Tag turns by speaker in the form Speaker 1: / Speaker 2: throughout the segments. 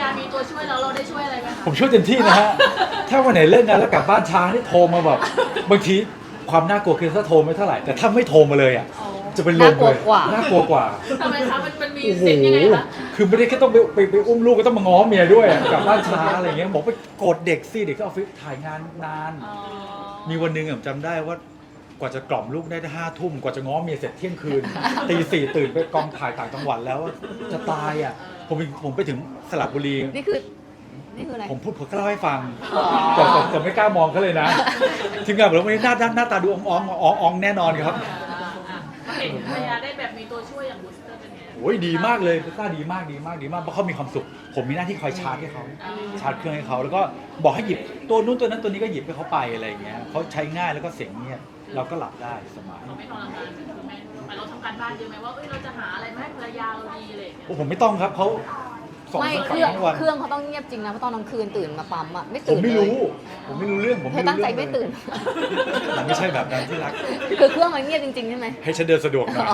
Speaker 1: ามีตัวช่วยแล้วเราได้ช่วยอะไรไหมคะ
Speaker 2: ผมช่วยเต็มที่นะฮะ ถ้าวันไหนเลิกงานแล้วกลับบ้านช้าที่โทรมาแบบบางทีความน่ากลัวคือถ้าโทรไม่เท่าไหร่แต่ถ้าไม่โทรมาเลยอ่ะจะเป็นลมเลยน่ากลัวกว่า
Speaker 1: ทำไมคะมันมี
Speaker 2: โอ้โห
Speaker 1: เสียงยังไงคะ
Speaker 2: คือไม่ได้แค่ต้องไปอุ้มลูกก็ต้องมาง้อเมียด้วยอะกลับบ้านช้าอะไรเงี้ยบอกไปกดเด็กสิเด็กก็ออฟฟิศถ่ายงานนาน
Speaker 1: อ๋อ
Speaker 2: มีวันหนึ่งผมจำได้ว่ากว่าจะกล่อมลูกได้5 ทุ่มกว่าจะง้อเมียเสร็จเที่ยงคืน ตี 4ตื่นไปกองถ่ายต่างจังหวัดแล้วจะตายอ่ะผมไปถึงสระบุรี
Speaker 3: นี่คืออะไร
Speaker 2: ผมก็เล่าให้ฟังแต่ไม่กล้ามองเขาเลยนะทีมงานบอกว่าวันนี้หน้าตาดูอ่องแน่นอนครับ
Speaker 1: เห็นภรรยาได้แบบมีตัวช่วยอย่างบูสเตอร์เป็นไง
Speaker 2: โอ้ยดีมากเลยต้าดีมากเพราะเขามีความสุขผมมีหน้าที่คอยชาร์จให้เขาชาร์จเครื่องให้เขาแล้วก็บอกให้หยิบตัวนู้นตัวนั้นตัวนี้ก็หยิบให้เขาไปอะไรอย่างเงี้ยเขาใช้ง่ายแล้วก็เสียงเงียบเราก็หลับได้สบาย
Speaker 1: เราไม่ทรมานคือแม่เราทำการบ้านเยอะไหมว่าเราจะหาอะไรมาให้ภรรยาเราดีอะไรอย่างเงี้ย
Speaker 2: โอ้ผมไม่ต้องครับเขาส่ง
Speaker 3: ไม่
Speaker 2: ทั้งวันทั้งวัน
Speaker 3: เครื่องเขาต้องเงียบจริงนะเพราะตอนกลางคืนตื่นมาปั๊มอ่ะไม่
Speaker 2: ผ
Speaker 3: ตื่
Speaker 2: ม
Speaker 3: น
Speaker 2: ไม่
Speaker 3: เลย
Speaker 2: รู้เรื่องผม
Speaker 3: เธ
Speaker 2: ไม่
Speaker 3: อ
Speaker 2: รู้
Speaker 3: ตั้งใจ
Speaker 2: เรื่อง
Speaker 3: ไม่ตื่น
Speaker 2: มันไม่ใช่แบบนั้นที่รัก
Speaker 3: คือเครื่องมันเงียบจริงๆใช่ไหม
Speaker 2: ให้ฉันเดินสะดวกหน่อย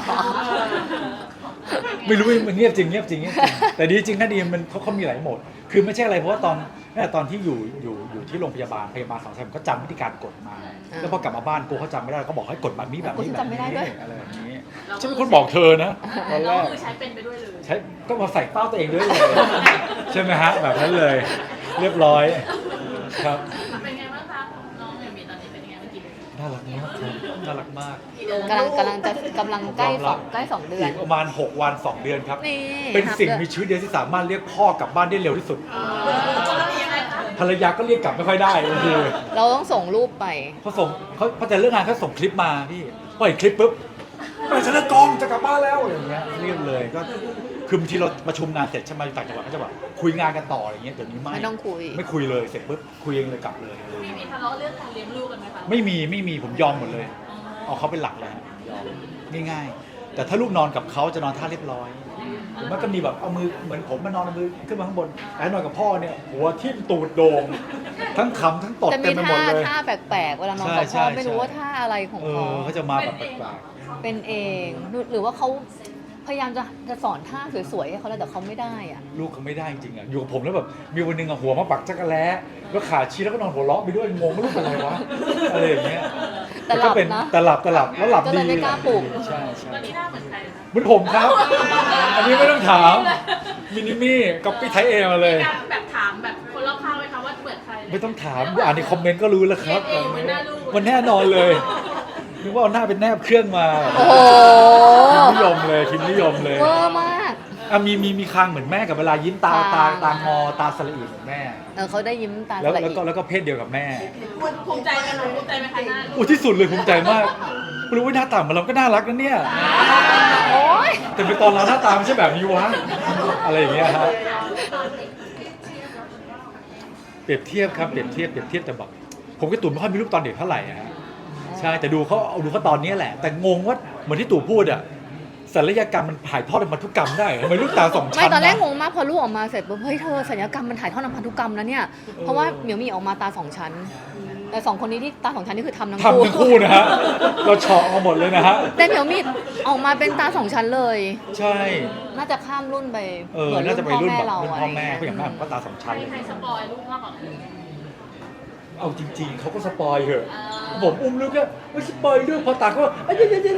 Speaker 2: ไม่รู้มันเงียบจริงแต่ดีจริงนะดีมันเขามีหลายโหมดคือไม่ใช่อะไรเพราะว่าตอนที่อยู่ที่โรงพยาบาลสองสามก็จำวิธีการกดมา แล้วพอกลับมาบ้านกูเขาจำไม่ได้ก็บอกให้กดแบบนี้แบบนี้แบบนี้อะไรแบบนี้ฉันเป็นคนบอกเธอนะตอนแร
Speaker 1: เรา
Speaker 2: ก
Speaker 1: คือใช้เป็นไปด้วยเลย
Speaker 2: ใช้ก็มาใส่เป้าตัวเองด้วยเลยใช่ไหมฮะแบบนั้นเลยเรียบร้อยครับ
Speaker 1: เป็นไงบ้างคะน้องมีตอนนี้เป็นยังไงเมื่อกี้
Speaker 2: น่ารักมากครับน่ารักมาก
Speaker 3: กำลังใกล้สองเดือน
Speaker 2: อีกประมาณ6 วัน 2 เดือนครับ
Speaker 3: นี่
Speaker 2: เป็นสิ่ง
Speaker 3: ครับ
Speaker 2: มีชีวิตเดียวที่สามารถเรียกพ่อกลับบ้านได้เร็วที่สุด
Speaker 1: ยังไงคะ
Speaker 2: ภรรยาก็เรียกกลับไม่ค่อยได้บางที
Speaker 3: เราต้องส่งรูปไป
Speaker 2: พอจะเลิกงานเขาส่งคลิปมาพี่พอเห็นคลิปปุ๊บไปฉันเลิกกองจะกลับบ้านแล้วอะไรอย่างเงี้ยเรียบเลยก็คือบางทีเราประชุมงานเสร็จใช่ไหมต่างจังหวัดก็จะแบบคุยงานกันต่ออะไรเงี้ยเดี๋ยวนี้ไม่
Speaker 3: ไม่ต้องคุย
Speaker 2: ไม่คุยเลยเสร็จปุ๊บคุยเองเลยกลับเลย
Speaker 1: มีทะเลาะเรื่องการเลี้ยงลูกกันไหมคะ
Speaker 2: ไม่มีผมยอมหมดเลยเอาเขาเป็นหลักเลยฮะยอมง่ายๆแต่ถ้าลูกนอนกับเขาจะนอนท่าเรียบร้อยหรือมันก็มีแบบเอามือเหมือนผมมานอนเอามือขึ้นมาข้างบนแต่นอนกับพ่อเนี่ยหัวทิ่มตูดโด่งทั้งขำทั้งตด
Speaker 3: จะ
Speaker 2: เต็
Speaker 3: มี
Speaker 2: มไปหมดเลย
Speaker 3: ท่าแปลกๆเวลานอนกับ
Speaker 2: ใช่
Speaker 3: พ่อ
Speaker 2: ใช่
Speaker 3: ไม่รู้ว่าท่าอะไรของเขา
Speaker 2: เขาจะมาแบบแปลก
Speaker 3: เป็นเองหรือว่าเขาพยายามจะสอนท่าสวยๆให้เขาแล้วแต่เขาไม่ได้อ่ะ
Speaker 2: ๆลูกเขาไม่ได้จริงๆอ่ะอยู่กับผมแล้วแบบมีวันหนึงอ่ะหัวมาปักจักรแล้แล้วขาชี้แล้วก็นอนหัวเราะไปด้วยงงว่าลูกเป็นอะไรวะอะไรอย่างเงี้ย
Speaker 3: แต่หลับ
Speaker 2: ก็เป็น
Speaker 3: นะ
Speaker 2: แต่หลับแล้วหลับ
Speaker 3: ก็
Speaker 2: ดี
Speaker 3: เลยไม่กล้าปลุก
Speaker 2: ใช่
Speaker 1: ตอนนี้หน้าเหมือนใครนะ
Speaker 2: เหมือนผมครับ อันนี้ไม่ต้องถามมินิมี่ก๊อปปี้ไทยเอมาเลย
Speaker 1: การแบบถามแบบคนรอบข้างไหมคะว่าเหมือนใคร
Speaker 2: ไม่ต้องถามอ่านในคอมเมนต์ก็รู้แล้วครับ
Speaker 1: เองเหมือนหน้าลูก
Speaker 2: มันแน่นอนเลยนึกว่าเอาหน้าเป็นแนบเครื่องมา
Speaker 3: โอ้โห
Speaker 2: ทีมนิยมเลยทีมนิยมเลย
Speaker 3: เวอร์มาก
Speaker 2: อ่ะมีคางเหมือนแม่กับเวลายิ้มตา
Speaker 3: คาง
Speaker 2: ตางอตาสละอีเหมือนแม่
Speaker 3: เขาได้ยิ้มตา
Speaker 2: แล้ว
Speaker 3: สละ
Speaker 2: แล้ว
Speaker 3: อี
Speaker 2: ก็แล้วก็เพศเดียวกับแม่
Speaker 1: ภูมิใจกันหนูภูมิใจไหมคะหน้าลูก
Speaker 2: อุ้ยที่สุดเลยภูมิใจมากไม่รู้ว่าหน้าตาของเราก็น่ารักนะเนี่ย
Speaker 3: โอ๊ย
Speaker 2: แต่เป็นตอนเราหน้าตาไม่ใช่แบบนี้วะอะไรอย่างเงี้ยฮะเปรียบเทียบครับเปรียบเทียบแต่แบบผมกับตู่ไม่ค่อยมีรูปตอนเด็กเท่าไหร่อะฮะใช่แต่ดูเขาตอนนี้แหละ แต่งงว่าเหมือนที่ตู่พูดอะศัลยกรรมมันถ่ายทอดพันธุกรรมได้ทำไมลูกตาสองชั้น
Speaker 3: ไม่ตอนแรก
Speaker 2: นะ
Speaker 3: งงมากพอลูกออกมาเสร็จปุ๊บเฮ้ยเธอศัลยกรรมมันถ่ายทอดทางพันธุกรรมแล้วเนี่ยเพราะว่าเหมียวมีออกมาตาสองชั้นแต่สองคนนี้ที่ตาสองชั้นนี่คือทำทั้ง
Speaker 2: ทำทั้งคู่นะฮะเราเฉาะเอาหมดเลยนะฮะ
Speaker 3: แต่เหมียวมีออกมาเป็นตาสองชั้นเลย
Speaker 2: ใช่
Speaker 3: น่าจะข้ามรุ่นไป
Speaker 2: เหมือนน่าจะไปรุ่นแบบรุ่นพ่อแม่
Speaker 3: ะ
Speaker 2: เพราะอย่างแม่ผมก็ตาสองชั้นเลย
Speaker 1: ใครสปอยลูกมากกว่ากัน
Speaker 2: เอาจริงๆเขาก็สปอยเหอะผมอุ้มลูกก็ไม่สปอยด้วยพอตาก็เอ้ย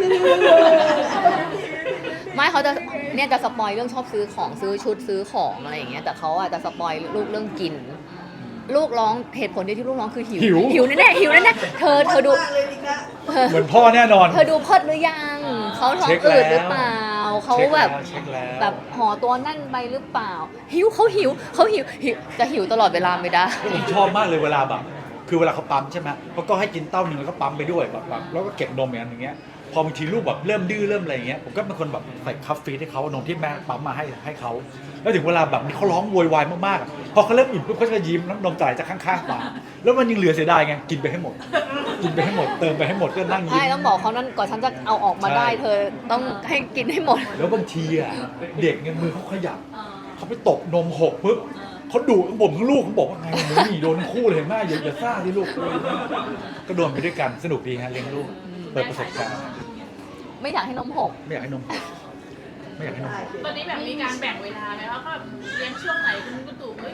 Speaker 3: ไม่เขาจะเนี่ยจะสปอยเรื่องชอบซื้อของซื้อชุดซื้อของอะไรอย่างเงี้ยแต่เขาอ่ะจะสปอยลูกเรื่องกิน ลูกร้องเหตุผลเดียวที่ลูกร้องคือหิวหิวแน่ๆหิวแน่ๆเธอดู
Speaker 2: เหมือนพ่อแน่นอน
Speaker 3: เธอดูเพิดหรือยังเขาท้องอืดหรือเปล่าเขาแบบ
Speaker 2: เช็คแล้ว
Speaker 3: แบบห่อตัวแน่นไปหรือเปล่าหิวเขาหิวจะหิวตลอดเวลาไม่ได้
Speaker 2: ผมชอบมากเลยเวลาแบบคือเวลาเขาปั๊มใช่ไหมเขาก็ให้กินเต้าหนึ่งแล้วก็ปั๊มไปด้วยแบบแล้วก็เก็บนมอย่างเงี้ยพอบางทีลูกแบบเริ่มดื้อเริ่มอะไรอย่างเงี้ยผมก็เป็นคนแบบใส่คัฟฟีให้เขานมที่แม่ปั๊มมาให้เขาแล้วถึงเวลาแบบนี้เขาร้องโวยวายมากๆพอเขาเริ่มอิ่มปุ๊บเขาจะยิ้มน้ำนมจ่ายจากข้างๆปากแล้วมันยังเหลือเสียดายไงกินไปให้หมดเติมไปให้หมดก็นั่งยิ้
Speaker 3: ใช่
Speaker 2: ม
Speaker 3: ต้องบอกเขานั่นก่อนฉันจะเอาออกมาได้
Speaker 2: ใช่
Speaker 3: เธอต้องให้กินให้หมด
Speaker 2: แล้วบางทีอ่ะเด็กเนี่ยมือเขาขยับเขาไปตกนมหกปุ๊บเขาดุทั้งผมทั้งลูกเขาบอกว่าไงหนูหนีโดนทั้งคู่เลยแม่อย่าซ่าสิลูกก็โดนไปด้วยกันสนุกดีฮะเลี้ยงลูกเปิดประสบการณ์
Speaker 3: ไม่อยากให้นมหก
Speaker 2: ไม่อยากให้นมหกไม่อยากให้นมหก
Speaker 1: ตอนนี้แบบมีการแบ่งเวลาไหมคะว่าแบบเลี้ยงช่วงไหนคุณตู่เอ้ย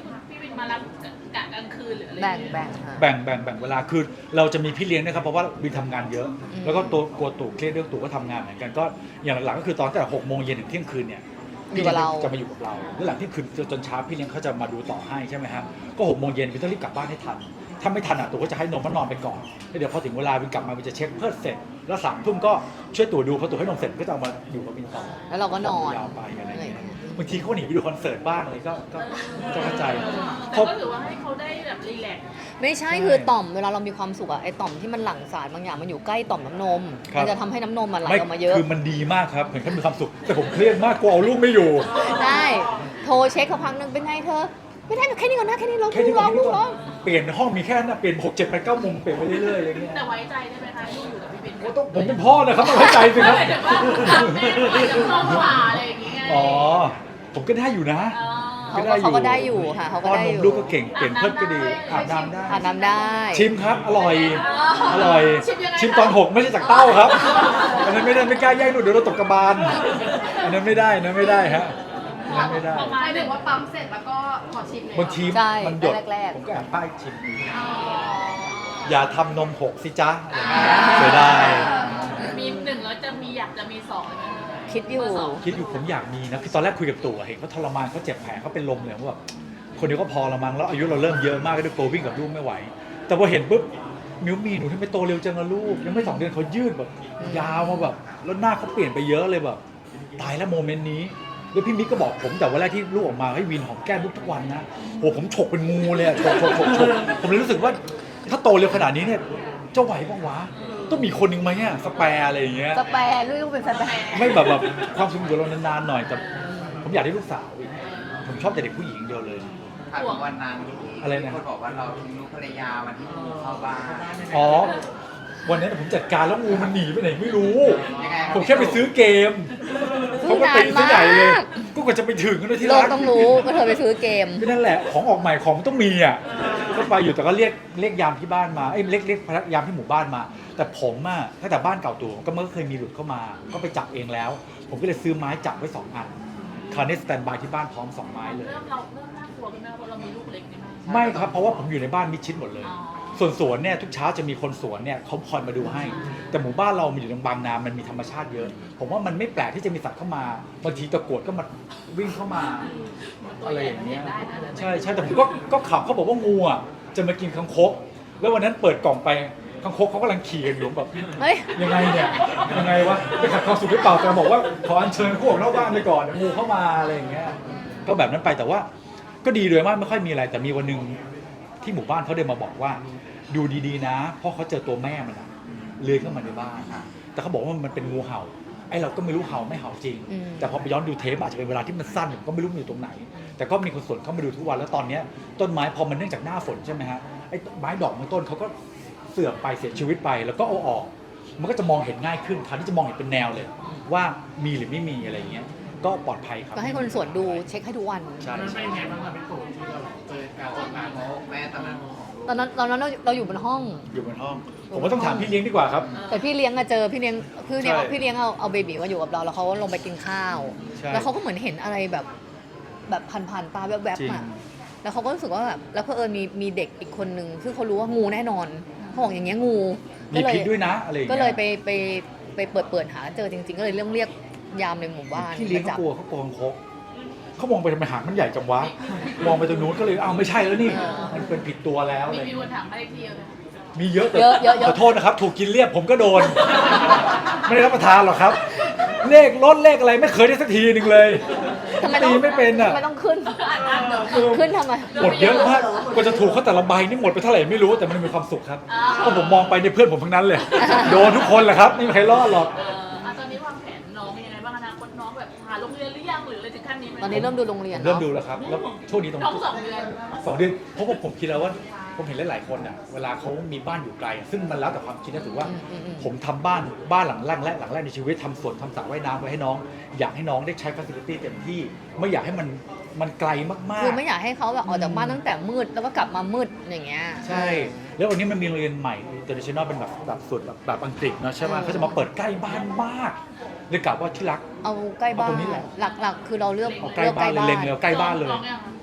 Speaker 1: มารับกะกลางคืนหรืออะไร
Speaker 3: แบ่งค่ะ
Speaker 2: แบ่งเวลาคือเราจะมีพี่เลี้ยงนะครับเพราะว่าวินทำงานเยอะ แล้วก็ตัวกลัวตู่เครียดเรื่องตู่ก็ทำงานเหมือนกันก็อย่างหลังๆก็คือตอนแต่6 โมงเย็นถึงเที่ยงคืนเนี่ย
Speaker 3: อยู่กับเรา
Speaker 2: จะมาอยู่กับเราแล้วหลังเที่ยงคืนจนเช้าพี่เลี้ยงเขาจะมาดูต่อให้ใช่ไหมครับก็6 โมงเย็นวินต้องรีบกลับบ้านให้ทันถ้าไม่ทันตู่ก็จะให้นมมันนอนไปก่อนแล้วเดี๋ยวพอถึงเวลาวินกลับมาวินจะเช็คเพิ่มเสร็จแล้ว3 ทุ่มก็ช่วยตู่ดูพอตู่ให้นมเสร็จก็จะเอามาอยู่กับวินต่อ
Speaker 3: แล้วเราก็นอน
Speaker 2: ยาวไปอะไรอย่างเงี้ยบางทีเขาหนีไปดูคอนเสิร์ตบ้างอะไรก็เข้าใจ
Speaker 1: แต่ก็ถือว่าให้เขาได้แบบรีแลกซ์
Speaker 3: ไม่ใช่คือต่อมเวลาเรามีความสุขอะไอต่อมที่มันหลั่งสารบางอย่างมันอยู่ใกล้ต่อมน้ำนมมันจะทำให้น้ำนมมันไหลออกมาเยอะ
Speaker 2: คือมันดีมากครับเห็นเขามีความสุขแต่ผมเครียดมากกลัวเอาลูกไม่อยู่
Speaker 3: ได้โทรเช็คเขาพักนึงเป็นไงเธอไม่ได้แค่นี้ก่อนนะแค่นี้ร้อง
Speaker 2: แค่ที่
Speaker 3: ร้องร้อง
Speaker 2: เปลี่ยนห้องมีแค่นั้นเปลี่ยน6 7 8 9 มุมเปลี่ยนไปเรื่อยๆอะไรเงี้ย
Speaker 1: แต่ไว้ใจได้ไหมคะลูกอยู่กับพี่เป็น
Speaker 2: ก็ต้องผมเป็นพ่อนะครับต้องไว้ใจสิครับ
Speaker 1: ไม่ถึงว่าแม่ไปกับพ่อขวาอะไรอย่างเงี้ย
Speaker 2: อ๋อผมก็ได้อยู่นะ
Speaker 3: เขาก็ได้อยู่ค่ะเขาก็ได้อยู่
Speaker 2: ป้อนนมลูกก็เก่งเปลี่ยนเพิ่มก็ดีอาบน้ำได้
Speaker 3: อาบน้ำได้
Speaker 2: ชิมครับอร่อยชิมตอน6ไม่ใช่จากเต้าครับอันนั้นไม่ได้ไม่กล้าแย่งหนูเดี๋ยวเราตกกระบาลอันนั้นไม่ได้นะไม่ได้ฮะอันนั้นไม่ได้
Speaker 1: ประ
Speaker 4: ห
Speaker 1: มาณ
Speaker 4: มายถึงว่าปั๊มเสร็จแล้วก็ขอชิมเลย
Speaker 2: บางที
Speaker 3: ใช่
Speaker 2: มันหยด
Speaker 3: แรกๆ
Speaker 2: ผมก็แอบป้ายชิมอย่าทำนมหกสิจ๊ะอะไรเงี้ยเสียดาย
Speaker 1: มี1แล้วจะมีอยากจะมี2เลยไหม
Speaker 3: คิดอยู่
Speaker 2: คิดอยู่ผมอยากมีนะคือตอนแรกคุยกับตู่เห็นเขาทรมานเขาเจ็บแผลเขาเป็นลมเลยว่าแบบคนเดียวก็พอละมั้งแล้วอายุเราเริ่มเยอะมากก็ด้วยตัววิ่งกับลูกไม่ไหว แต่พอเห็นปุ๊บมิวมีหนูทำไมโตเร็วจังอะลูกยังไม่2 เดือนเขายืดแบบยาวมาแบบแล้วหน้าเขาเปลี่ยนไปเยอะเลยแบบตายแล้วโมเมนต์นี้แล้วพี่มิกก็บอกผมแต่วันแรกที่ลูกออกมาให้วินหอมแก้มลูกทุกวันนะโหผมฉกเป็นงูเลยอะฉกผมเลยรู้สึกว่าถ้าโตเร็วขนาดนี้เนี่ยจะไหวบ้างวะต้องมีคนหนึ่งไหมเนี่ยสแปร์อะไรอย่างเงี้ย
Speaker 3: สแปร์ลูกเป็นสแปร์
Speaker 2: ไม่แบบความสุขอยู่เรานานๆหน่อยแต่ผมอยากได้ลูกสาวอีกผมชอบแต่เด็กผู้หญิงเดียวเลย
Speaker 5: ถามวันนั้น
Speaker 2: อะไรนะ
Speaker 5: มีคนบอกว่าเราทิ้งลูกภรรยาวันที่งูเข้าบ้าน
Speaker 2: อ๋อวันนั้นผมจัดการแล้วงูมันหนีไปไหนไม่รู้
Speaker 5: ยังไงรับ
Speaker 2: ผมแค่ไปซื้อเกม
Speaker 3: ซื้
Speaker 2: เขา
Speaker 3: อ
Speaker 2: ก็
Speaker 3: นา
Speaker 2: ตี
Speaker 3: น
Speaker 2: ซื้อ
Speaker 3: มา
Speaker 2: ใหญ่เลย
Speaker 3: ก
Speaker 2: ก็กว่าจะไปถึงกันที่
Speaker 3: โล
Speaker 2: ร้าก น
Speaker 3: ต้องรู้ว่าเธอไปซื้อเกม
Speaker 2: ก็นั่นแหละของออกใหม่ของมันต้องมีอ่ะก็ไปอยู่แต่ก็เรียกยามที่บ้านมาเรียกพนักยามที่หมู่บ้านมา แต่ผมอ่ะตั้งแต่บ้านเก่าตัวก็ไม่เคยมีหลุดเข้ามา ก็ไปจับเองแล้ว ผมก็เลยซื้อไม้จับไว้2 อันคราวนี้สแตนบายที่บ้านพร้อม2 ไม้เลย
Speaker 1: เริ่มน่ากลัวกันไหมเพราะเรามีลูกเล็กนี่ไหม
Speaker 2: ไม่ครับเพราะว่าผมอยู่ในบ้านมิดชิดหมดเลย
Speaker 1: อ๋อ
Speaker 2: ส่วนสวนเนี่ยทุกเช้าจะมีคนสวนเนี่ยเขาคอยมาดูให้ แต่หมู่บ้านเรามันอยู่ตรงบางนา มันมีธรรมชาติเยอะ ผมว่ามันไม่แปลกที่จะมีสัตว์เข้ามาบางทีตะกรวดก็มาวิ่งเข้ามาอะไรอย่างเงี้ยใช่ใช่แต่ผมก็ขับเขาบอกว่างูอ่ะจะมากินคังคกแล้ววันนั้นเปิดกล่องไปคังคกเขากำลังขี่กันอยู่แบบ
Speaker 3: เฮ้ย
Speaker 2: ยังไงเนี่ยยังไงวะไปขัดความสุขหรือเปล่าแต่บอกว่าขออัญเชิญพวกนอกบ้านไปก่อนเดี๋ยวงูเข้ามาอะไรอย่างเงี้ยก็แบบนั้นไปแต่ว่าก็ดีเลยมากไม่ค่อยมีอะไรแต่มีวันหนึงที่หมู่บ้านเขาเดินมาบอกว่าดูดีๆนะเพราะเขาเจอตัวแม่มันอะเลื้อยเข้ามาในบ้านแต่เขาบอกว่ามันเป็นงูเห่าไอ้เราก็ไม่รู้เห่าไม่เห่าจริง
Speaker 3: อืม
Speaker 2: แต่พอไปย้อนดูเทปอาจจะเป็นเวลาที่มันสั้นผมก็ไม่รู้มันอยู่ตรงไหน แต่ก็มีคนสวนเข้ามาดูทุกวันแล้วตอนเนี้ยต้นไม้พอมันเนื่องจากหน้าฝนใช่ไหมฮะไอ้ไม้ดอกบางต้นเขาก็เสื่อมไปเสียชีวิตไปแล้วก็เอาออก มันก็จะมองเห็นง่ายขึ้นคราวนี้จะมองเห็นเป็นแนวเลย ว่ามีหรือไม่มีอะไรอย่างเงี้ยก็ปลอดภัยครับ
Speaker 3: ก็ให้คนสวนดูเช็คให้ทุกวัน
Speaker 2: ใช่
Speaker 6: มันเป็นไงบ้างครับพี่ตู่ที่เราเจอการจัดการ
Speaker 5: โอ้แม่ตอนนั้น
Speaker 3: ตอนนั้นเราอยู่บนห้อง
Speaker 2: อยู่บนห้อง ผมว่าต้องถามพี่เลี้ยงดีกว่าครับ
Speaker 3: แต่พี่เลี้ยงอะเจอพี่เลี้ยง
Speaker 2: ใช่
Speaker 3: พี่เลี้ยงเอาเบบีมาอยู่กับเราแล้วเขาลงไปกินข้าว
Speaker 2: ใช่
Speaker 3: แล้วเขาก็เหมือนเห็นอะไรแบบผ่านๆตาแวบ
Speaker 2: จริง
Speaker 3: ๆอะแล้วเขาก็รู้สึกว่าแบบแล้วเพอมีเด็กอีกคนนึงซึ่งเขารู้ว่างูแน่นอนเขาบอกอย่างเงี้ยงู
Speaker 2: มีพิษด้วยนะอะไรอย่าง
Speaker 3: ก็
Speaker 2: เงี้ย
Speaker 3: เลยไปเปิดหาเจอจริง ๆ ก็เลยเรียกยามในหมู่บ้าน
Speaker 2: พี่เลี้ยง
Speaker 3: มา
Speaker 2: เขา
Speaker 3: จับ
Speaker 2: กลัวเขากลัวคังคกเขามองไปทำไมหางมันใหญ่จังวะมองไปตรงนู้นก็เลยอ้าวไม่ใช่แล้วนี่มันเป็นผิดตัวแล้วอะไรอย่าง
Speaker 1: มี
Speaker 2: เงี้ย
Speaker 1: คนถามมาเลขที่เลย
Speaker 2: มีเยอะแต่
Speaker 3: เยอะ
Speaker 2: ขอโทษนะครับ ถูกกินเรียบผมก็โดน ไม่ได้รับประทานหรอกครับ เลขลดเลขอะไรไม่เคยได้สักทีหนึ่งเลย
Speaker 3: ทำไมต้อง
Speaker 2: ตีไม่เป็นอ่ะ
Speaker 3: ทำไมต้องขึ้นขึ้นทำไม
Speaker 2: หมดเยอะมากกว่าจะถูกเขาแต่ละใบนี่หมดไปเท่าไหร่ไม่รู้แต่มันมีความสุขครับเพราะผมมองไปในยเพื่อนผมทั้งนั้นเลย โดนทุกคนแหละครับไม่มีใครรอดหรอก
Speaker 1: ตอนนี้วางแผนน้องยังไงบ้างอนาคตน้องแบบหาโรงเรียนหรือยังหรืออะไรถึงขั้นนี้ไหม
Speaker 3: ตอนนี้เริ่มดูโรงเรียน
Speaker 2: เริ่ม
Speaker 3: เนาะ
Speaker 2: ดูแล้วครับแล้วช่วงนี้ตรง
Speaker 1: น้อง2 เดือน
Speaker 2: 2 เดือนเพราะว่าผมคิดแล้วว่าผมเห็นหลายๆคนอ่ะเวลาเขามีบ้านอยู่ไกลอะซึ่งมันแล้วแต่ความคิดนะถือว่า ผมทำบ้านหลังแรกและหลังแรกในชีวิตทำสวนทำสระว่ายน้ำไว้ให้น้อง อยากให้น้องได้ใช้ฟัซิลิตี้เต็มที่ไม่อยากให้มันไกลมากๆ
Speaker 3: คือไม่อยากให้เขาแบบออกจากบ้านตั้งแต่มืดแล้วก็กลับมามืดอย่างเงี้ย
Speaker 2: ใช่ แล้ววันนี้มันมีโรงเรียนใหม่ international เป็นแบบสุดแบบอังกฤษเนอะใช่ไหมเขาจะมาเปิดใกล้บ้านมากเลยกล่าวว่าที่รัก
Speaker 3: เอาใกล้บ้า
Speaker 2: เอาตร
Speaker 3: น
Speaker 2: งนี้แหละ
Speaker 3: หลักๆ คือเราเลือก
Speaker 2: เอาใกล้บ้านเลยเล็งเลยเอาใกล้บ้านเลย
Speaker 1: น้องยัง
Speaker 2: ก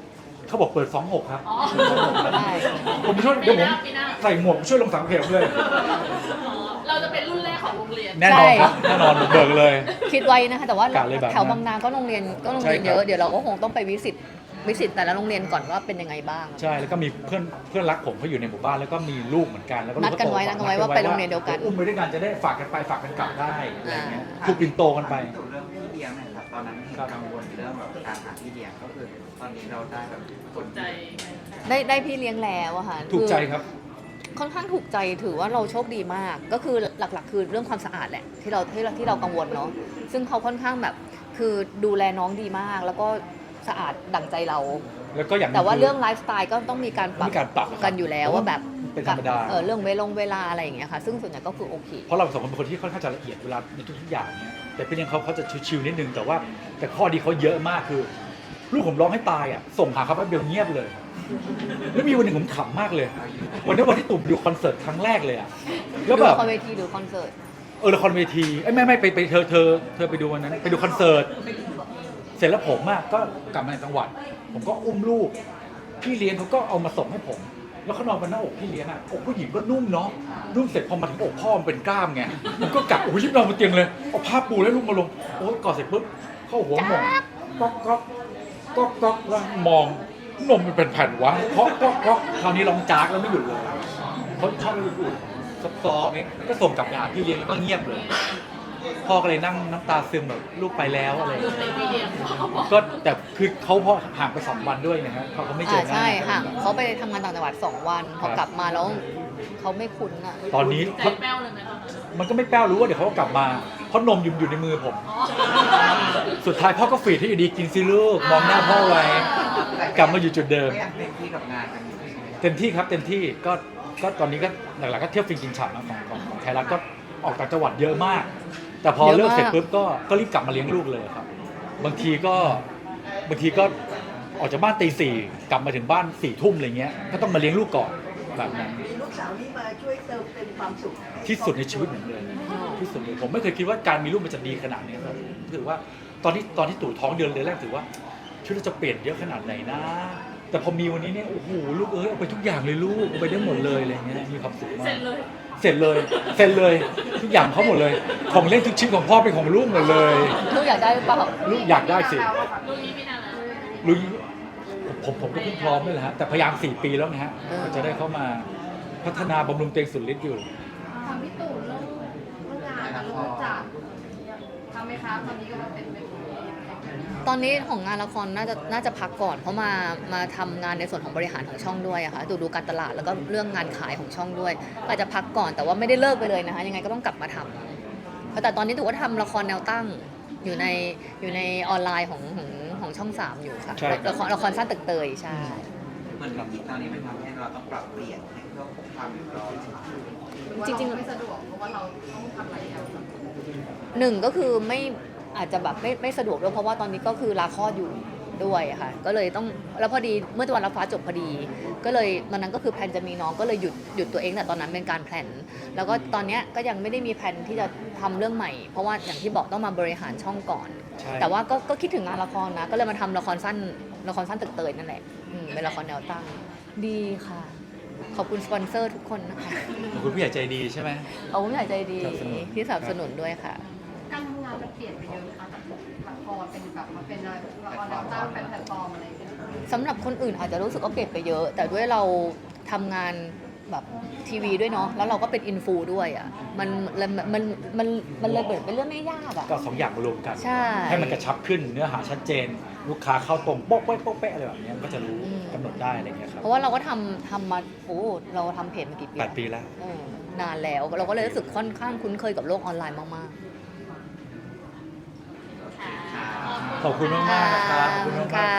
Speaker 2: เขาบอกเปิด 26 ครับ
Speaker 1: อ๋อ
Speaker 3: ใช่
Speaker 2: ผมช่วยเดี๋ยวผม
Speaker 1: ปีหน้า
Speaker 2: ใส่หมวกช่วยลงสังเกตเลย
Speaker 1: อ๋อเราจะเป็นรุ่นแรกของโรงเรียน
Speaker 2: แน่นอนครับแน่นอนเบิกเลย
Speaker 3: คิดไว้นะคะแต่ว่าก
Speaker 2: ะเลยแบบนั้น
Speaker 3: แถวบางนาก็โรงเรียน
Speaker 2: ใช่ครับ
Speaker 3: เยอะเดี๋ยวเราก็คงต้องไปวิสิตแต่ละโรงเรียนก่อนว่าเป็นยังไงบ้าง
Speaker 2: ใช่แล้วก็มีเพื่อนรักผมเขาอยู่ในหมู่บ้านแล้วก็มีลูกเหมือนกันแล้วก็ลู
Speaker 3: นัดกันไว้
Speaker 2: โต
Speaker 3: นัดกันไว้ว่าไปโรงเรียนเดียวกัน
Speaker 2: อุ้มไปด้วยกันจะได้ฝากกันไปฝากกันกลับได้อะไรเงี้ย
Speaker 3: อ่า
Speaker 2: ถูกปินโตกันไป
Speaker 5: ถามเรื่องพี่เลี้ยงหนะครับตอนนั้นเห็นกังวลเรื่องแบบการหาพี่เลี้ยงก็คือตอนนี้เราได้แบบคน
Speaker 1: ใจ
Speaker 3: ได้พี่เลี้ยงแล้วอะค่ะ
Speaker 2: ถูกใจ
Speaker 3: คือ
Speaker 2: ครับ
Speaker 3: ค่อนข้างถูกใจถือว่าเราโชคดีมาก ก็คือหลักๆ คือเรื่องความสะอาดแหละที่เรากังวลเนาะซึ่งเขาค่อนข้างแบบคือดูแลน้องดีมาก แล้วก็สะอาดดั่งใจเรา
Speaker 2: แล้วก็อย่างหนึ่
Speaker 3: แต่ว่า
Speaker 2: คื
Speaker 3: เรื่องไลฟ์สไตล์ก็ต้องมีการปรับ
Speaker 2: มีการปรับ
Speaker 3: กันอยู่แล้วว่าแบบ
Speaker 2: เป็นธรรมดา
Speaker 3: เรื่องเวลาอะไรอย่างเงี้ยค่ะ ซึ่งส่วนใหญ่ก็คือโอเค
Speaker 2: เพราะเราสองคนเป็นคนที่ค่อนข้างจะละเอียดเวลาในทุกๆอย่างเนี่ยแต่พี่เลี้ยงเขาจะชิวๆนิดนึงแต่ข้อดีเขาเยอะมากคือ ลูกผมร้องให้ตายอ่ะส่งหาเขาแป๊บเดียวเงียบเลย แล้วมีวันหนึ่งผมขำมากเลย วันที่ตุ่มดูคอนเสิร์ตครั้งแรกเลยอ่ะแล้วแบบ
Speaker 3: ดูคอนเวทีหรือคอนเสิร์ต
Speaker 2: ละครเวทีไม่ไปเธอไปดูวันนั้นไปดูคอนเสิร์ตเสร็จแล้วผมอ่ะก็กลับมาในจังหวัด ผมก็อุ้มลูกพี่เลี้ยงเขาก็เอามาส่งให้ผม แล้วเขานอนบนหน้าอกพี่เลี้ยงอ่ะอกผู้หญิงก็นุ่มเนาะนุ่มเสร็จพอมาถึงอกพ่อมันเป็นกล้ามไงผมก็กะโอ้ยรีบนอนบนเตียงเลยเอาผ้าปูแล้วลูกมาลงโอ้ยกอดเสร็จปุ๊บเข้าหัวหมองก็แล้วมองนมมันเป็นแผ่นวะเคาะก็คราวนี้ร้องจากแล้วไม่หยุดเลยเขาชอบไม่หยุดซอฟๆนี่ก็ส่งกลับไปหาพี่เลี้ยงแล้วก็เงียบเลยพ่อก็เลยนั่งน้ำตาซึมแบบลูกไปแล้วอะไรอย่าง
Speaker 1: ดู
Speaker 2: เงี้ย
Speaker 1: ในพี่เลี้ยงเขาบอก
Speaker 2: ก็แต่คือเขาพอห่างไป2 วันด้วยนะฮะเขาไม่เจอหน้า
Speaker 3: ใช่ค่ะเขาไปทำงานต่างจังหวัด2 วันพอกลับมาแล้วเขาไม่คุ้นอ่ะ
Speaker 2: ตอนนี้
Speaker 1: ใจแป้วเลยไหมตอนนั้น
Speaker 2: มันก็ไม่แป้วรู้ว่าเดี๋ยวเขาก็กลับมาเพราะนมอยู่ในมือผม
Speaker 1: อ๋อ
Speaker 2: สุดท้ายพ่อก็ฝีดให้อยู่ดีกินซิลูกมองหน้าพ่อไว้ กลับมาอยู่จุดเดิม
Speaker 5: ก็อยากเต็มที่กับงานกันอยู่ใช่ไหม
Speaker 2: เต็มที่ครับเต็มที่ก็ตอนนี้ก็หลักๆก็เที่ยวฟินกินฉ่ำนะของไทยรัฐก็ออกต่างจังหวัดเยอะมาก แต่พอเลิกเสร็จปุ๊บก็รีบกลับมาเลี้ยงลูกเลยครับบางทีก็ออกจากบ้านตี 4กลับมาถึงบ้าน4 ทุ่มอะไรเงี้ยก็ต้องมาเลี้ยงลูกก่อนแบบนั้น
Speaker 7: มีลูกสาวนี่มาช่วยเติมเต็มความสุขให้
Speaker 2: ที่สุดในชีวิตผมเลยที่สุดเลยผมไม่เคยคิดว่าการมีลูกมันจะดีขนาดนี้ครับถือว่าตอนที่ตู่ท้องเดือนแรกถือว่าชีวิตเราจะเปลี่ยนเยอะขนาดไหนนะ แต่พอมีวันนี้เนี่ยโอ้โหลูกเอาไปทุกอย่างเลยลูกเอาไปได้หมดเลยอะไรเงี้ยมีความสุขมาก
Speaker 1: เสร็จเลย
Speaker 2: เสร็จเลยทุกอย่างเขาหมดเลย ของเล่นทุกชิ้นของพ่อเป็นของลูกหมดเลย
Speaker 3: ลูกอยากได้หรือเปล่า
Speaker 2: ลูกอยากได้สิ
Speaker 1: รุ่นนี้ไม่นานแล้ว
Speaker 2: ลูกผมก็เพิ่งพร้อมนี่แหละฮะแต่พยายาม4 ปีแล้วนะฮะก็จะได้เข้ามาพัฒนาบำรุงตัวเองสุดฤทธิ์อยู่
Speaker 4: ทำพี่ตู่เรื่องงานเรื่องจัดทำไหมคะตอนนี้ก็มาเป็น
Speaker 3: ตอนนี้ของงานละครน่าจะพักก่อนเพราะมาทำงานในส่วนของบริหารของช่องด้วยอะค่ะดูการตลาดแล้วก็เรื่องงานขายของช่องด้วยอาจจะพักก่อนแต่ว่าไม่ได้เลิกไปเลยนะคะยังไงก็ต้องกลับมาทำแต่ตอนนี้ถือว่าทำละครแนวตั้งอยู่ในออนไลน์ของช่อง 3อยู่ค่ะ
Speaker 2: ใช่ครับ
Speaker 3: ละครสั้นตึกเตยใช่
Speaker 5: เหมือนกับตอนนี้มันทำให้เราต้องปรับเปลี่ยนให้เพื่อความเรียบร้อย
Speaker 3: จริงๆ
Speaker 4: ไม่สะดวกเพราะว่าเราต้องทำหลายอย่าง
Speaker 3: หนึ่งก็คือไม่อาจจะแบบไม่สะดวกด้วยเพราะว่าตอนนี้ก็คือลาคลอดอยู่ด้วยอะค่ะก็เลยต้องแล้วพอดีเมื่อวันรับฟ้าจบพอดี ก็เลยวันนั้นก็คือแพลนจะมีน้องก็เลยหยุดตัวเองแต่ตอนนั้นเป็นการแพลนแล้วก็ตอนเนี้ยก็ยังไม่ได้มีแพลนที่จะทำเรื่องใหม่ เพราะว่าอย่างที่บอกต้องมาบริหารช่องก่อน
Speaker 2: ใช่
Speaker 3: แต่ว่าก็คิดถึงงานละครนะก็เลยมาทำละครสั้นตึกเตยนั่นแหละเป็นละครแนวตั้งดีค่ะขอบคุณสปอนเซอร์ทุกคนนะคะ
Speaker 2: ขอบคุณผู้ใหญ่ใจดีใช่ไหม
Speaker 3: ขอบคุณผู้ใหญ่ใจดี
Speaker 2: สนับสนุน
Speaker 3: ที่สนับสนุนด้วยค่ะ
Speaker 4: การทำงานมันเปลี่ยนไปเยอะค่ะจากละครเป็นแบบมาเป็นละครแนวตั้งเป็นแพลตฟอร์มอะไรอย่างเงี้ย
Speaker 3: สำหรับคนอื่นอาจจะรู้สึกว่าเปลี่ยนไปเยอะ แต่ด้วยเราทำงานแบบทีวีด้วยเนาะแล้วเราก็เป็นอินฟูด้วยอ่ะมันเลยเปิดเป็นเรื่องไม่ยากอ่ะ
Speaker 2: ก็2 อย่างมารวมกัน
Speaker 3: ใช่
Speaker 2: ให้มันกระชับขึ้นเนื้อหาชัดเจน ลูกค้าเข้าตรงโป๊ะเป๊ะโป๊ะเป๊ะอะไรแบบเนี้ยก็จะรู้กำหนดได้อะไรเงี้ยครับ
Speaker 3: เพราะว่าเราก็ทำมาเราทำเพจมากี่ปี
Speaker 2: 8 ปีแล้ว
Speaker 3: นานแล้วเราก็เลยรู้สึกค่อนข้างคุ้นเคยกับโลกออนไลน์มาก
Speaker 2: ขอบคุณมากๆนะครับขอบคุณมากๆครับ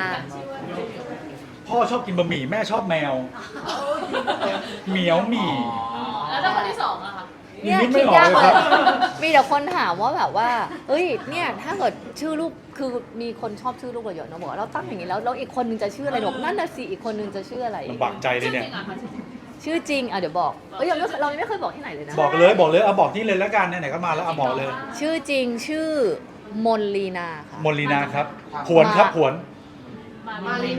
Speaker 2: พ่อชอบกินบะหมี่แม่ชอบแมวเหมียวหมี่
Speaker 1: แล้วถ้าคนที่สองอะคะ
Speaker 3: ๆเนี่ย
Speaker 2: นิดไม่
Speaker 3: คิด
Speaker 2: ออก
Speaker 3: ยาก
Speaker 2: เลย
Speaker 3: เล
Speaker 2: ครั
Speaker 3: ย
Speaker 2: บ
Speaker 3: มีแต่คนถามว่าแบบว่าเอ้ยเนี่ยถ้าเกิดชื่อลูกคือมีคนชอบชื่อลูกเราเยอะเนอะบอกว่าเราตั้งอย่างนี้แล้วอีกคนนึงจะชื่ออะไรหรอกนั่นน่ะสิอีกคนนึงจะชื่ออะไร
Speaker 2: ลำบากใจเลย
Speaker 1: ชื่อจ
Speaker 2: เนี่ย
Speaker 1: ริงอะคะ
Speaker 3: ชื่อจริงเดี๋ยวบอกเรายังไม่เคยบอกที่ไหนเลยนะ
Speaker 2: บอกเลยเอาบอกนี่เลยแล้วกันไหนๆก็มาแล้วเอาบอกเลย
Speaker 3: ชื่อจริงชื่อมนลีนาค่ะ
Speaker 2: มนลีนาครับผวนครับผวน
Speaker 4: มารีโน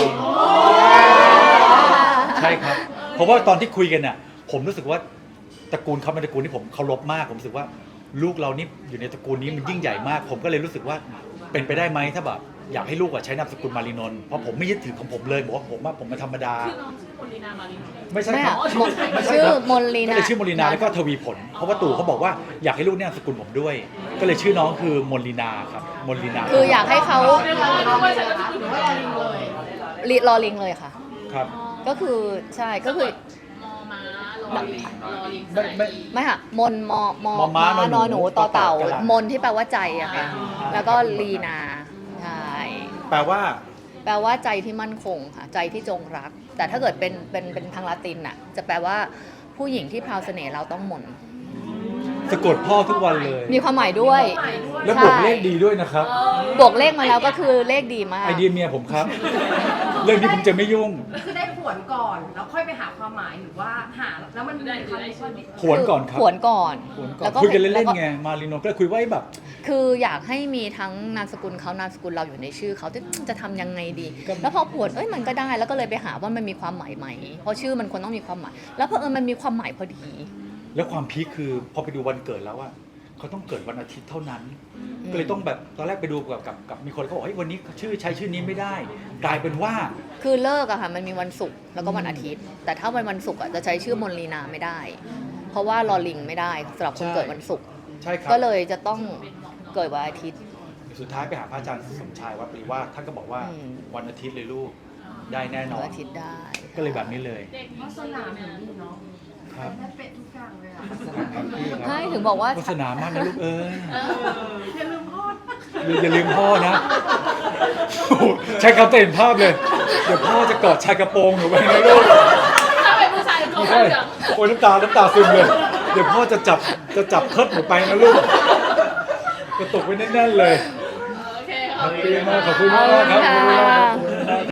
Speaker 2: ใช่ครับ เพราะว่าตอนที่คุยกันน่ะผมรู้สึกว่าตระกูลเขาเป็นตระกูลที่ผมเคารพมากผมรู้สึกว่าลูกเรานี่อยู่ในตระกูลนี้มันยิ่งใหญ่มาก ผมก็เลยรู้สึกว่าเป็นไปได้ไหมถ้าแบบอยากให้ลูกใช้นามสกุลมารีนนท์เพราะผมไม่ยึดถือของผมเลยบอกว่าผมเป็นธรรมดา
Speaker 1: ชื่อน้องชื่อคนลีนามารีโน
Speaker 2: ไม่ใช่
Speaker 3: ไม่
Speaker 2: ครั
Speaker 3: อะ
Speaker 2: บ
Speaker 3: มน
Speaker 2: ไม่ใช่
Speaker 3: ชื่อ
Speaker 2: ครับ
Speaker 3: มนลี
Speaker 2: ก็
Speaker 3: นา
Speaker 2: เลยชื่อมนลีนาแล้วก็ทวีผล เพราะว่าตู่เขาบอกว่าอยากให้ลูกเนี่ยนามสกุลผมด้วย ก็เลยชื่อน้องคือมนลีนาครับมนลีนา
Speaker 3: คืออยากให้เขา
Speaker 1: เรียกว่าไม่ใช่ก็คือ
Speaker 4: หรือว่ารอลิงเลย
Speaker 3: รอลิงเลยค่ะ
Speaker 2: ครับ
Speaker 3: ก็คือใช่ก็คือ
Speaker 1: มอม้ารอลิงรอลิง
Speaker 2: ไม่
Speaker 3: ไม่ค่ะมนมม
Speaker 2: มอม้านอนหนู
Speaker 3: นอนหนูต่อเต่า
Speaker 2: ต่อเต่าม
Speaker 3: นที่แปลว่าใจอะค่ะแล้วก็ลีนาใช่
Speaker 2: แปลว่า
Speaker 3: แปลว่าใจที่มั่นคงค่ะใจที่จงรัก แต่ถ้าเกิดเป็นทางละตินน่ะจะแปลว่าผู้หญิงที่พราวเสน่ห์เราต้องมน
Speaker 2: สะกดพ่อทุกวันเลย
Speaker 3: มีความหมายด้วย
Speaker 2: แล้วบวกเลขดีด้วยนะครับ
Speaker 3: บวกเลขมาแล้วก็คือเลขดีมาก
Speaker 2: ไอเดียเมียผมครับ เรื่องนี้ผมจะไม่ยุ่ง
Speaker 4: คือได้ผวนก่อนแล้วค่อยไปหาความหมายหรือว่าหาแล้วมันมีคำว่า
Speaker 2: ผวนก่อนครับ
Speaker 3: ผวนก่อน
Speaker 2: ผวนก่อน
Speaker 3: แล้วก็
Speaker 2: คุยกันเล่น
Speaker 3: แว
Speaker 2: ๆไงมารีโนก็เลยคุยว่าแบบ
Speaker 3: คืออยากให้มีทั้งนามสกุลเขานามสกุลเราอยู่ในชื่อเขาจะทำยังไงดี
Speaker 2: ก็
Speaker 3: แล้วพอผวนมันก็ได้แล้วก็เลยไปหาว่ามันมีความหมายไหมเพราะชื่อมันควรต้องมีความหมาย แล้วเพอมันมีความหมายพอดี
Speaker 2: แล้วความพีคคือพอไปดูวันเกิดแล้วอะเขาต้องเกิดวันอาทิตย์เท่านั้น ก็เลยต้องแบบตอนแรกไปดูกับมีคนเขาบอกเฮ้ยวันนี้ใช้ชื่อนี้ไม่ได้ กลายเป็นว่า
Speaker 3: คือเลิกอะค่ะมันมีวันศุกร์แล้วก็วันอาทิตย์ แต่ถ้าวันศุกร์อะจะใช้ชื่อมนลีนาไม่ได้ เพราะว่ารอลิงไม่ได้สำหรับคนเกิดวันศุกร์
Speaker 2: ใช่ครับ
Speaker 3: ก็เลยจะต้องเกิดวันอาทิตย์
Speaker 2: สุดท้ายไปหาพระอาจารย์สมชายวัดปริวาสท่านก็บอกว่า
Speaker 3: อืม
Speaker 2: วันอาทิตย์เลยลูกได้แน่นอ
Speaker 3: วัน นอาทิตย์ได้
Speaker 2: ก็เลยแบบนี้เลย
Speaker 1: เด็ก
Speaker 4: วาสนาเหมือนนี่เนาะ
Speaker 2: ครับ
Speaker 4: ได้เป็ดทุกอย่างเลยอ่ะ
Speaker 3: ใช่ถึงบอกว่า
Speaker 2: โฆษณามากนะลูกเอ้ย
Speaker 4: อย่าลืมพ่อ
Speaker 2: อย่าลืมพ่อนะโอ้โหใช้คำเต็มภาพเลย เดี๋ยวพ่อจะกอดชายกระโปรงหนูไปนะลูก
Speaker 1: ถ้าเป็นผู้ชายเขา
Speaker 2: ไม่
Speaker 1: ก็
Speaker 2: ใช่
Speaker 1: จะ
Speaker 2: โอ้ยน้ำตาซึมเลย เดี๋ยวพ่อจะจับเคิร์ดหนูไปนะลูกกระตุกไว้แน่นๆเลย
Speaker 1: โอเค
Speaker 2: ขอบคุณมากขอบคุณมากครับขอบคุณมากครับ